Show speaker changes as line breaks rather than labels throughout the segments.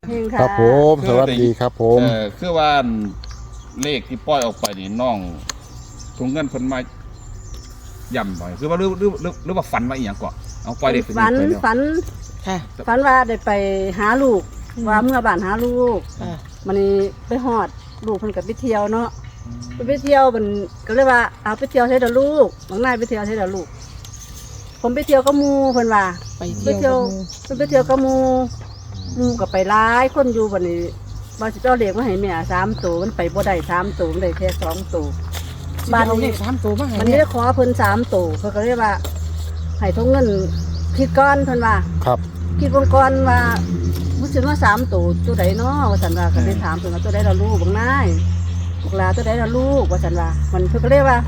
ครับผมสวัสดีครับผม
คือว่าเลขที่ปล่อยออกไปนี่น้องถุงเงินคนมาย่ำหน่อยคือว่าหรือว่าฝันว่าอีหยังก่อนเอาปล่อยเลขไป
ฝัน
แล้ว
ฝันว่าได้ไปหาลูกว่าเมื่อบ้านหาลูกมันนี่ไปฮอดลูกเพิ่นกับไปเที่ยวเนาะไปเที่ยวมันก็เลยว่าเอาไปเที่ยวใช้เด้อลูกบางนายไปเที่ยวใช้เด้อลูกผมไปเที่ยวกับหมู่เพิ่นว่าไปเที่ยวกับหมู่ก็ไปหลายคนอยู่บัดนี้ว่าสิเจ้าเลขมาให้แม่3ตัวมันไปบ่ได้3ตัวมันได้แค่2ตัวบ้านนี้3ตัวมาให้มันได้ขอเพิ่น3ตัวเพิ่นก็เลยว่าให้ทงเงินคิดก่อนเพิ่นว่า
ครับ
คิดก่อนว่ารู้สึกว่า3ตัวใดเนาะว่าซั่นว่าก็ได้ถามเพิ่นว่าตัวใดล่ะลูกบางนายลูกหลานตัวใดล่ะลูกว่าซั่นว่ามันเพิ่นก็เลยว่า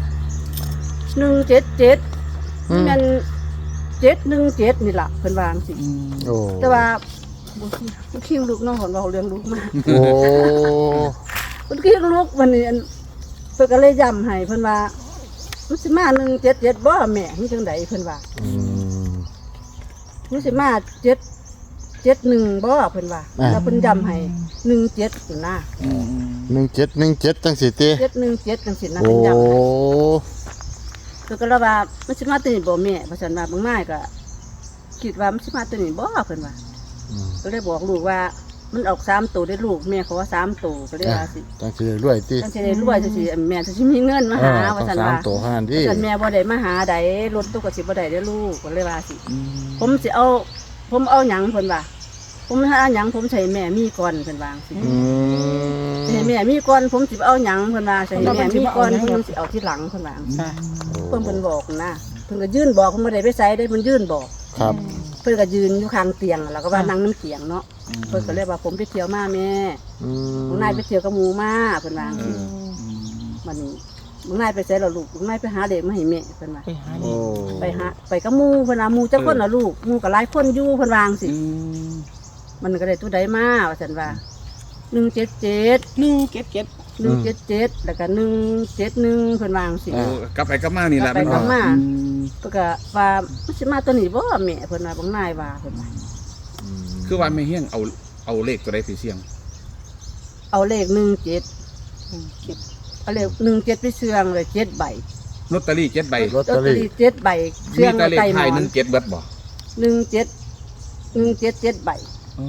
177นี่มัน717นี่ล่ะเพิ่นว่าจังซี่
โอ้
แต่ว่าบ่คิวลูกน้องของเราเลี้ยงลูกมา
โอ้
มันคิวลูกวันนี้เพิ่นก็เลยย้ำให้เพิ่นว่ามันสิมา177บ่แม่มันจังไดเพิ่นว่ามันสิมา771บ่เพิ่นว่าแล้วเพิ่นย้ำให้17อยู่นะ
17จังสิติ
717จังซี่นะเพิ่นย้ำให้เพิ่นก็เลยว่ามันสิมาตัวนี้บ่แม่ว่าซั่นว่าบางนายก็คิดว่ามันสิมาตัวนี้บ่เพิ่นว่าก็เลยบอกลูกว่ามันออก3ตัวได้ลูกแม่ขอ3ตัวก็เลยว่าสิ
จังสิรวยติ
จังสิได้รวยจังสิแม่จังสิมีเงินมาหาว่าซั่นว่า
3ตัวหั่นติ
ซั่นแม่บ่ได้มาหาใดรถตู้ก็สิบ่ได้เด้อลูกก็เลยว่าสิผมเอาหยังเพิ่นว่าผมหาหยังผมใช้แม่มีก่อนเพิ่นว่าสิให้แม่มีก่อนผมสิเอาหยังเพิ่นว่าใช้แม่มีก่อนเพิ่นสิเอาทีหลังเพิ่นว่าเพิ่นบอกนะเพิ่นก็ยื่นบอกเพิ่นบ่ได้ไปไสได้เพิ่นยื่นบอก
ครับ
เพิ่นก็ยืนอยู่ข้างเตียงแล้วก็ว่านั่งน้ำเตียงเนาะเพิ่นก็เลยว่าผมไปเที่ยวมาแม่บางนายไปเที่ยวกับหมู่มาเพิ่นว่ามันบางนายไปไสล่ะลูกบางนายไปหาเด็กมาให้แม่เพิ่นว่าไปกับหมู่เพิ่นว่าหมู่จักคนล่ะลูกหมู่ก็หลายคนอยู่เพิ่นว่าจังซี่มันก็ได้ตัวใดมาว่าซั่นว่า177แล้วก็171เพิ่นว่าจังซี่
กลับไปกลับมานี่ล่ะ
ไปกลับมาเพิ่นก็ว่ามันสิมาตัวนี้บ่แม่เพิ่นว่าบางนายว่าเพิ่นว่า
คือว่าไม่เฮี้ยงเอาเลขตัวใดไปเสี่ยง
เอาเลข17เอาเลข17ไปเสี่ยงเลย7ใบ
ลอตเตอรี่7ใบ
ลอตเตอรี่7ใบ
เสี่ยงเลขท้าย17เบิดบ่
17ใบ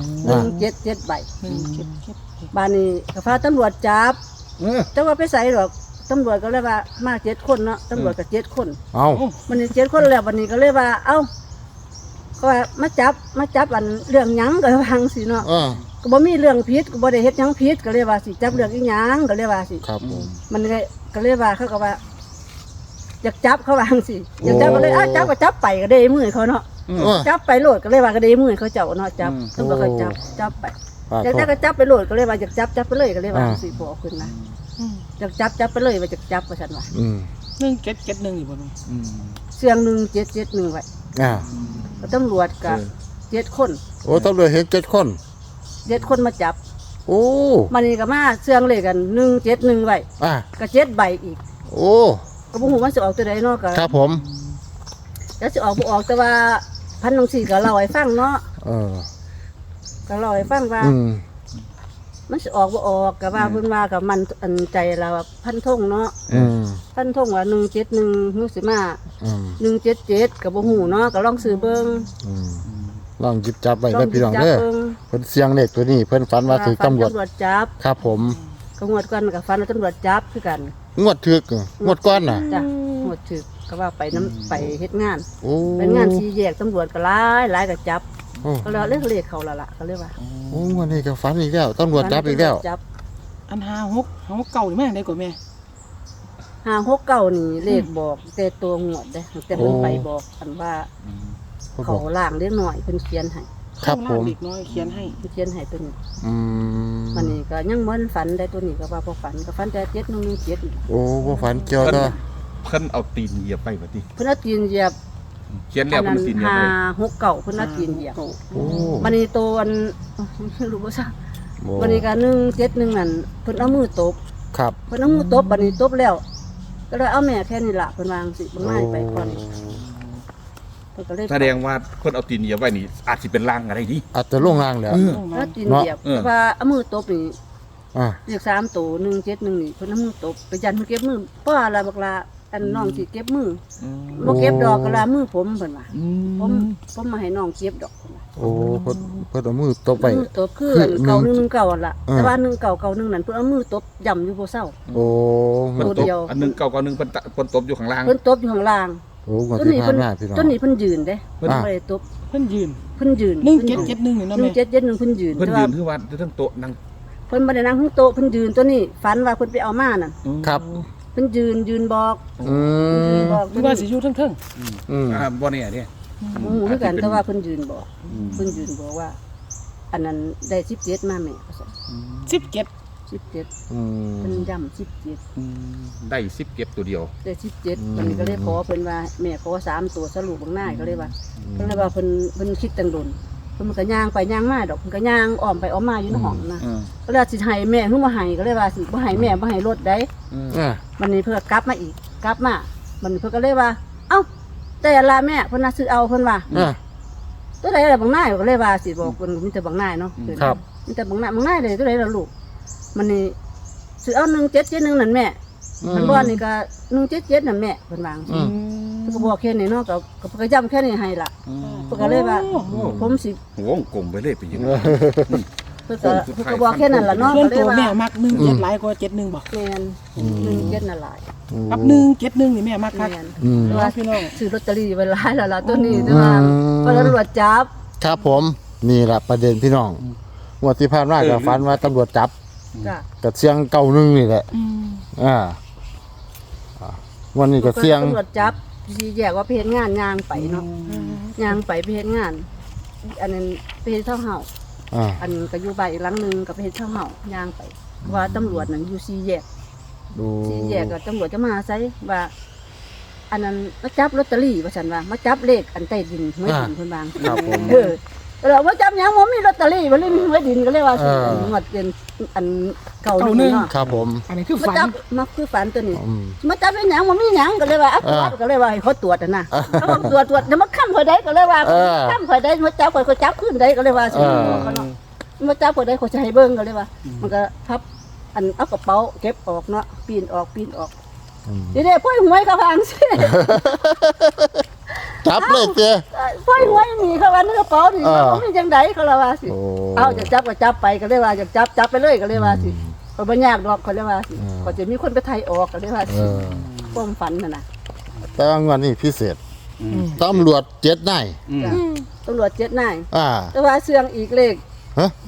17ใบบ้านนี้ก็พาตำรวจจับแต่ว่าไปใส่หรอกตำรวจก็เลยว่ามา7คนเนาะตำรวจก็7คน
เอ้า
มันนี่7คนแล้ววันนี้ก็เลยว่าเอ้าก็ว่ามาจับอันเรื่องหยังก็ว่าจังซี่เนาะก็บ่มีเรื่องผิดก็บ่ได้เฮ็ดหยังผิดก็เลยว่าสิจับเรื่องอีหยังก็เลยว่าสิ
ครับผม
มันก็เลยว่าเขาก็ว่าอยากจับเขาว่าจังซี่อยากจับก็เลยจับก็จับไปก็ได้มือเขาเนาะจับไปโหลดก็เลยว่าก็ได้มือเขาเจ้าเนาะจับตำรวจเขาจับไปอยากได้ก็จับไปโหลดก็เลยว่าอยากจับไปเลยก็เลยว่าสิบ่เอาขึ้นนะอยากจับไปเลยว่าอยากจับว่าซั่นว่า
1771อยู่บ่แม่
เสียง1771ไว้ตำรวจก็7คน
โอ้ตำรวจเห็น7คน
7คนมาจับ
โอ้
มันนี่ก็มาเสียงเลขกัน171ไว้ก็7ใบอีก
โอ้
ก็บ่ฮู้ว่าสิออกตัวใดเนาะก็
ครับผม
แล้วสิออกบ่ออกแต่ว่าพันจังซี่ก็เล่าให้ฟังเนาะก็เล่าให้ฟังว่ามันสิออกบ่ออกก็ว่าเพิ่นว่าก็มันอันใจเราพันธงเนาะพันธงว่า171ฮู้สิมา177ก็บ่ฮู้เนาะก็ลองซื้อเบิ่ง
ลองหยิบจับไว้ได้พี่น้องเด้อเพิ่นเสียงเลขตัวนี้เพิ่นฝันว่าถูกตำรวจ
จับ
ครับผม
ก็งวดก่อนก็ฝันว่าตำรวจจับคือกัน
งวดถึกงวดก่อนน่ะ
จ้ะงวดถึกก็ว่าไปไปเฮ็ดงานเป็นงาน4แยกตำรวจก็หลายก็จับก็แล้วเลขเขาล่ะก็เลยว่า
โอ้วันนี้ก็ฝันอีกแล้วตำรวจจับอีกแล้ว
อัน56เก่านี่แม่ได้กว่าแม่
569นี่เลขบอกแต่ตัวงวดเด้แต่เพิ่นไปบอกอันว่าเขาล่างเล็กน้อยเพิ่นเขียนให้
ครับผม
เด็กน้อยเขียนให้
ตัวนี้มันนี่ก็ยังมันฝันได้ตัวนี้ก็ว่าพอฝันก็ฝันแต่7117
โอ้บ่ฝันเกี่ยวต่อ
เพิ่นเอาตีนเหยียบไปบัดนี้
เพิ่นเอาตีนเหยียบ
เขียนแล้วเพิ่นตีนเหยียบไป
569เพิ่นเอาตีนเหยียบโอ้มันนี่ตัวอันรู้บ่ซะมันนี่ก็171นั่นเพิ่นเอามือตบ
ครับ
เพิ่นเอามือตบบัดนี้ตบแล้วก็เลยเอาแม่แค่นี้ล่ะเพิ่นวางสิบ่ง่ายไปก่อนเพพิ่นก็เลย
แสดงว่าคนเอาตีนเหยียบไว้นี่อาจสิเป็นล่างอะไรดิ
อาจจะลงล่างแล้ว
แล้วตีนเหยียบ
เออ
แต่ว่าเอามือตบนี่
อ่า
เลข3ตัว171นี่เพิ่นเอามือตบไปยันเพิ่นเก็บมือเพราะว่าละบักลาอันน้องสิเก็บมือบ่เก็บดอกก็ละมือผมเพิ่นว่าผมมาให้น้องเก็บดอกเพิ่นว่า
โอ้เพิ่นเอามือตบไป
มือตบคืออันเก่า119นั่นล่ะแต่ว่า1991นั่นเพิ่นเอามือตบย่ำอยู่บ่เซา
โอ้
เพิ่น
ตัว
ต
เดี
บ
ยว
อันหนึงเก่าๆนึงเพิ่นตบอยู่ข้างล่าง
เพิ่นตบอยู่ข้างล่าง
โอ้มาที่ผ่านมาพี่น้อง
ต้นนี้เพิ่นยืนเด้
เพิ่น
บ่ได้ตบ
เพิ่นยืน
เพิ่นยืน
1771นี่เนาะแม่
1771เพิ่นยืน
เพิ่น
แต่
ยื
ว่าน
คือว่าทั้งโต๊ะนั่ง
เพิ่นบ่ได้นั่งข้างโต๊ะเพิ่นยืนตัวนี้ฝันว่าเพิ่นไปเอามานั่น
ครับ
เพิ่นยืนบอก
อื
ยืน
ม
บอก
คือว่าสิอยู่เทิง
อืม
บ่เนี่ยเด้
หมู่คือกันแต่ว่าเพิ่นยืนบอกเพิ่นยืนบอกว่า อันนั้นได้17มาแม่ว่าซั่น
ๆ17
17
อืม
เพิ่นย้ำ17
ได้10เก็บตัวเดียว
ได้17มันก็เลยขอเพิ่นว่าแม่ขอ3ตัวสรุปบางหน้าก็เลยว่าเพิ่นเลยว่าเพิ่นคิดตังดนเพิ่นก็ย่างไปย่างมาดอกเพิ่นก็ย่างอ้อมไปอ้อมมาอยู่ในห้องนะก็เลยสิให้แม่เพิ่นบ่ให้ก็เลยว่าสิบ่ให้แม่บ่ให้รถได้
อ่า
วันนี้เพิ่นก็กลับมาอีกกลับมามันเพิ่นก็เลยว่า เอ้าแต่ละแม่เพิ่นน่ะซื้อเอาเพิ่นว่า
อ่า
ตัวใดล่ะบางหน้าก็เลยว่าสิบอกเพิ่นมีแต่บางหน้าเนาะ
ครับ
มีแต่บางหน้าเลยตัวใดล่ะลูกมันนี่ซื้อเอา1771นั่นแม่มันบ่นี่ก็177นั่นแม่เพิ่นว่า
อืม
เพิ่นก็บอกแค่นี้เนาะก็เพิ่นก็ย้ำแค่นี้ให้ล่ะเพิ่นก็เลยว่าผมสิ
วงกลมไปเลยไปยังไง
เพิ่นก็บอกแค่นั้นล่ะเนาะ
ส่ว
ก็
น
เล
ตั
ยว ว่า
แม่มัก17หลายกว่า71บ่
แม่น177นั่นหลาย
กับ171นี่แม่มักคัก
แม่น
อืม
แต่ว่า
พี่น้อง
ซื้อลอตเตอรี่ไว้หลายแล้วล่ะตัวนี้แต่ว่าพอตำรวจจับ
ครับผมนี่แหละประเด็นพี่น้องงวดที่ผ่านมาก็ฝันว่าตำรวจจับ
จ้ะ
กับเสียงเก่าหนึงนี่แหละ
อืม
อ่าวันนี้ก็เสียง
ตำรวจจับสิแยกว่าไปเฮ็ดงานย่างไปเนาะย่างไปเฮ็ดงาน อันนั้นไปเฮ็ดเช่าเฮา
อ่า
อันก็อยู่บ้านอีกหลังหนึงก็ไปเฮ็ดเช่าเฮาย่างไป ว่าตำรวจนั่นอยู่4แยก
ดู
4แยกก็ตำรวจจะมาใส่ว่า อันนั้นมาจับลอตเตอรี่ว่าซั่นว่ามาจับเลขอันใต้ดินหวยดินเพิ่นวาง
ครับผม
เราว่าจับหยังบ่มีลอตเตอรี่บ่เลยมีหวยดินก็เลยว่าสิงวดเป็นอันเก่าหนึงเนาะ
ครับผม
อันนี้คือ
มา
ฝัน
จับมาคือฝันตัวนี้
อืม
มาจับเป็นหยังบ่มีหยังก็เลยว่าตรวจก็เลยว่าให้เขาตรวจนะเขาตรวจเดี๋ยวมาค้ำข่อยได้ก็เลยว่าค้ำข่อยได้มาจับข่อยจับขึ้นได้ก็เลยว่าสิมาจับข่อยได้ข่อยจะให้เบิ่งก็เลยว่า มันก็พับอันเอากระเป๋าเก็บออกเนาะปีนออกเดี๋ยวพ่อยหวยเขาพังสิ
จับเลยเจ้
พ่อยหวยหนีเขาว่าในกระเป๋านี่มันมีจังไดเขาเลยว่าสิ
โอ้
เอาจะจับก็จับไปก็เลยว่าจะจับไปเลยก็เลยว่าสิเขาบ่ยากดอกเขาเลยว่าสิเขาจะมีคนไปไทยออกก็เลยว่า
เอ
สิ
อ
ความฝันน่ะนะ
แต่ว่างวดนี้พิเศษตำรวจ7นาย
จ้ะตำรวจ7นาย
อ่า
แต่ว่าเสื่องอีกเลข
ฮะ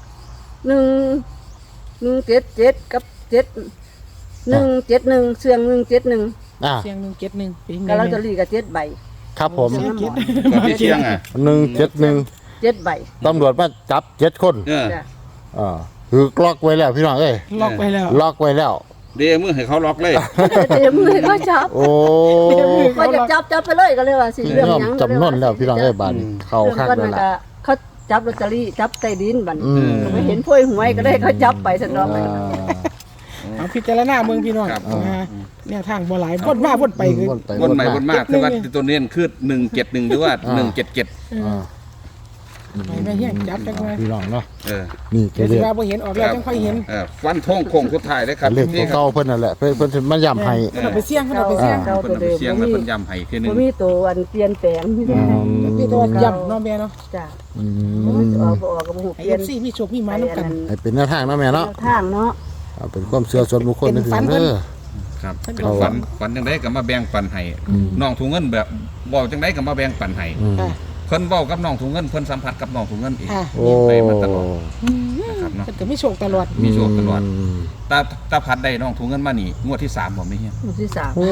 177กับ7171เสื่อง171
อ่า
เสียง171เป็นไง
กับลอตเตอ
แม่
รี่ก็7ใบ
ครับผม
เสียงน้ำหมอน
กับพี่เชียงอ่ะ
171
7ใบ
ตำรวจมาจับ7คน
จ้ะ
อ่าคือล็อกไว้แล้วพี่น้องเอ้ย
ล็อกไปแล้ว
ล็อกไว้แล้ว
เดมือให้เขาล็อกเลย
เดี๋ยวมือก็จับ
โอ้
ก็จะจับไปเลยก็เลยว่าสิเรื่อง
ยอม
หยัง
จำนนแล้วพี่น้องเอ้ยบาดนี้เข้า
เรื่อง
ข้าง
ก้อน
แล้ว
มัน
ล่ะ
ก็เขาจับลอตเตอรี่จับใต้ดินบัด
อืม
ไปเห็นพวยหวยก็ได้เขาจับไปสันดอก
อ่า
เอาพิจารณาเมืองพี่น้อง
ครับ
แนวทางบ่หลายวนมาวนไปคือ
วนใหม่วนมากคือว่าตัวเน้นคือ171หรือว่า177
อ่า
ให้แม่เฮียจับจังไง
พี่น้องเนาะ
เออ
นี่ก็
เดี๋ยว
เรียก
สิว่าบ่เห็นออกแล้วจังค่อยเห็น
ฟันทงโค้งสุดท้ายเลยครับ
เรียก
นี่ครั
เก่า
บ
เพิ่นนั่นแหละเพิ่นสิมาย้ำให้
เพิ่นเอาไปเสี่ยงเพิ่นเอาไปเสี่ยง
เก่า
เพิ่
ตั
น
วเดิม
เสียง
บ่
แล้ว
มี
เพิ่นย้ำให้คือนึ
บ่
ง
มีตัวอันเปลี่ยนแปลงที่
อืม
พี่ตัวย่ำเนาะแม่เนาะ
จ้ะ
อื
บ่มี
ม
ตัวออกบ่ออกก็บ่ฮู้
ให้
เปลี่ยน
FC มีโชคมีหมานํกัน
ให้เป็นแนวทางเนาะแม่เนาะ
ทางเนาะ
เอาเป็นความเชื่อส่วนบุคคล
เป็น
นะพี่
ฝั
น้อน ง
เพิ่น
เด้อ
ครับ
เพิ่น
เป็น
เอา
ฝันจังไดก็มาแบ่งปันให้น้องถุงเงินแบบบอกจังไดก็มาแบ่งปันให้
อืม
อ่ะ
เพิ่นเว้ากับน้องถุงเงินเพิ่นสัมผัสกับน้องถุงเงินเอง
อ่ะ
โอ้
ไปมาตลอดนะครับเนาะ
เพิ่นก็มีโชคตลอด
มีโชคตลอด
ม
ตาพัดได้น้องถุงเงินมานี่งวดที่3บ่ไม่เฮีย
หมู่ที่สาม
โอ้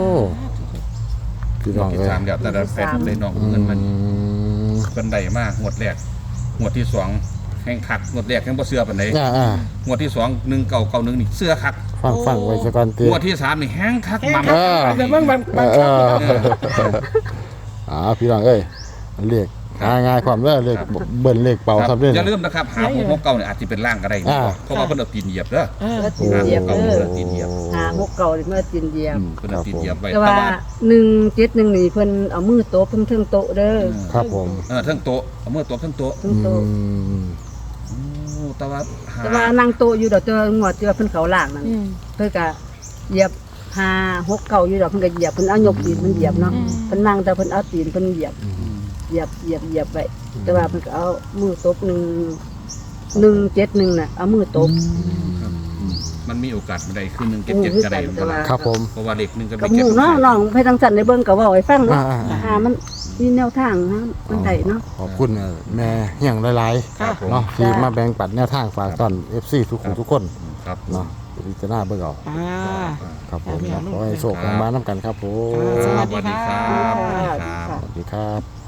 พี่
ง
น้
ว
อง
ดที่
เอ้ย
3แล้วแต่ละแฟนได้น้องถุงเงินมานี่เพิ่นได้มางวดแรกงวดที่2แห่งคักงวดแรกแห่งบ่เชื่อปานใด
อ่าง
วดที่2 1991นี่เชื่อคัก
ฟังไว้สักก่อนติ
งวดที่3นี่แห้งคักมัม
เออ
แต่บาง
เอ
บางช็อต
พี่น้องเอ้ยเรียกหาง่ายความเด้อเรียกเบิ่นเลขเป่าครับเด้อ
อย่าลืมนะครับหา669เนี่ยอาจจะเป็นล่างก็ได้
อ่า
เพราะว่าเพิ่นเอาตีนเหยียบเด้อ
เออ
แล้วตีนเหยียบ
เก่า
เด้อ
ตีนเหยียบ
ห 6 เก่านี่เมื่อตีนเหยียบ
เพิ่นเอาตีนเหยียบไว้
แต่ว่า171นี่เพิ่นเอามือโต๊ะเพิ่งเทิงโต๊ะเด้อ
ครับผม
เทั้งโต๊ะเอามือโต๊ะเทั้งโต๊ะ
เทิงโต๊ะ
โอ้แต่ว่าหา
แต่ว่านั่งโต๊ะอยู่ดอกเจองวดเจอเพิ่นเขาล่างนั่น
อืม
เพิ่นก็เหยียบ5 6 เก่าอยู่ดอกเพิ่นก็เหยียบเพิ่นเอายกตีนเพิ่นเหยียบเนาะเพิ่นนั่งแต่เพิ่นเอาตีนเพิ่นเหยียบไว้แต่ว่าเพิ่นก็เอามือตบ171น่ะเอามือตบ
มันมีโอกาสบ่ได้คือ177จะได้บ่ล่ะ
ครับผม
เพราะว่าเลข1กับ
กับ
เลข
หมู่
7
เนาะน้องไปทางสันได้เบิ่งก็เว้าให้ฟังเนาะ
อ่า
มันมีแนวทางนะมันได้เนาะ
ขอบคุณแม่เฮียงหลาย
ครับผม
ๆเนาะที่มาแบ่งปันแนวทางฝากตอน FC ทุกคนทุกคน
ครับ
เนาะพิจารณาเบิ่งเอา
อ่า
ครับผม
ครับ
ขอให้โชคให้มานํกันครับผม
สวัสดี
สวัสดี
ค่ะ
ครับ
ค่ะ
สวัสดีครับ